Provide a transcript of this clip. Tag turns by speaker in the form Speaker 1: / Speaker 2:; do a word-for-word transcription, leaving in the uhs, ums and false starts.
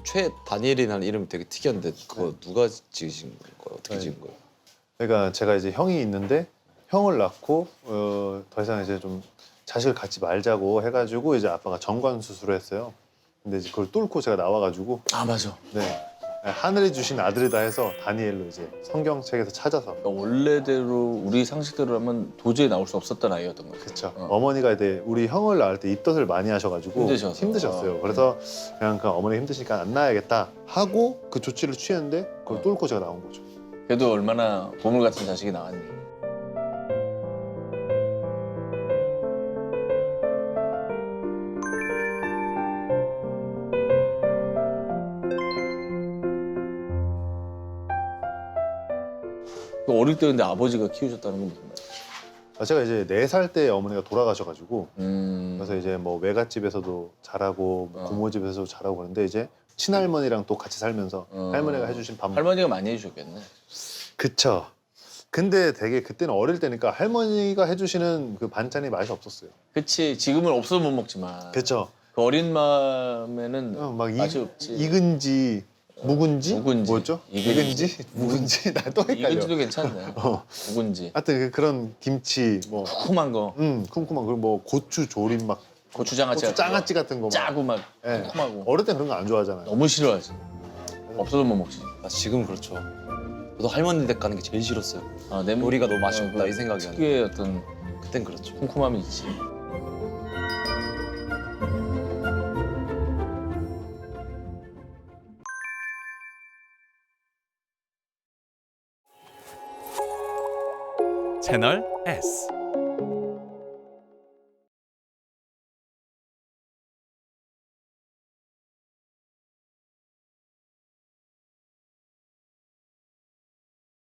Speaker 1: 최 다니엘이라는 이름이 되게 특이한데 그거 누가 지으신 거예요? 어떻게
Speaker 2: 네.
Speaker 1: 지은 거예요?
Speaker 2: 그러니까 제가 이제 형이 있는데 형을 낳고 어, 더 이상 이제 좀 자식을 갖지 말자고 해가지고 이제 아빠가 정관 수술을 했어요. 근데 이제 그걸 뚫고 제가 나와가지고
Speaker 3: 아 맞아.
Speaker 2: 네 하늘이 주신 아들이다 해서 다니엘로 이제 성경책에서 찾아서
Speaker 3: 그러니까 원래대로 우리 상식대로라면 도저히 나올 수 없었던 아이였던 거죠.
Speaker 2: 그렇죠.
Speaker 3: 어.
Speaker 2: 어머니가 이제 우리 형을 낳을 때 입덧을 많이 하셔가지고
Speaker 3: 힘드셔서.
Speaker 2: 힘드셨어요.
Speaker 3: 어.
Speaker 2: 그래서 그냥 그 어머니 힘드시니까 안 낳아야겠다 하고 그 조치를 취했는데 그걸
Speaker 3: 어.
Speaker 2: 뚫고 제가 나온 거죠.
Speaker 3: 그래도 얼마나 보물 같은 자식이 나왔니. 어릴 때 근데 아버지가 키우셨다는 건 무슨 말이야?
Speaker 2: 아, 제가 이제 네 살 때 어머니가 돌아가셔가지고
Speaker 3: 음.
Speaker 2: 그래서 이제 뭐 외갓집에서도 자라고 뭐
Speaker 3: 어.
Speaker 2: 고모집에서도 자라고 그러는데 이제 친할머니랑 또 같이 살면서
Speaker 3: 어.
Speaker 2: 할머니가 해주신 밥
Speaker 3: 할머니가 많이 해주셨겠네.
Speaker 2: 그쵸. 근데 되게 그때는 어릴 때니까 할머니가 해주시는 그 반찬이 맛이 없었어요.
Speaker 3: 그치 지금은 없어서 못 먹지만.
Speaker 2: 그쵸.
Speaker 3: 그 어린 마음에는
Speaker 2: 어, 막
Speaker 3: 맛이
Speaker 2: 이,
Speaker 3: 없지.
Speaker 2: 익은지 묵은지?
Speaker 3: 묵은지.
Speaker 2: 뭐였죠?
Speaker 3: 익은지.
Speaker 2: 익은지? 묵은지? 나 또 헷갈려.
Speaker 3: 익은지도 괜찮네.
Speaker 2: 어.
Speaker 3: 묵은지.
Speaker 2: 하여튼 그- 그런 김치 뭐
Speaker 3: 쿰쿰한 거.
Speaker 2: 음, 쿰쿰한 그리고 뭐 고추 조림 막
Speaker 3: 고추장아찌.
Speaker 2: 고추 장아찌 같은 거 막.
Speaker 3: 짜고 막
Speaker 2: 예.
Speaker 3: 쿰쿰하고.
Speaker 2: 어릴 때 그런 거 안 좋아하잖아요.
Speaker 3: 너무 싫어하지. 없어도 못 먹지.
Speaker 1: 아, 지금 그렇죠. 저도 할머니 댁 가는 게 제일 싫었어요.
Speaker 3: 아, 내
Speaker 1: 요리가 너무 맛이
Speaker 3: 어,
Speaker 1: 없다
Speaker 3: 그
Speaker 1: 이 생각이 나요.
Speaker 3: 특유의 어떤
Speaker 1: 그땐 그렇죠.
Speaker 3: 쿰쿰함이 있지.
Speaker 4: 채널 S.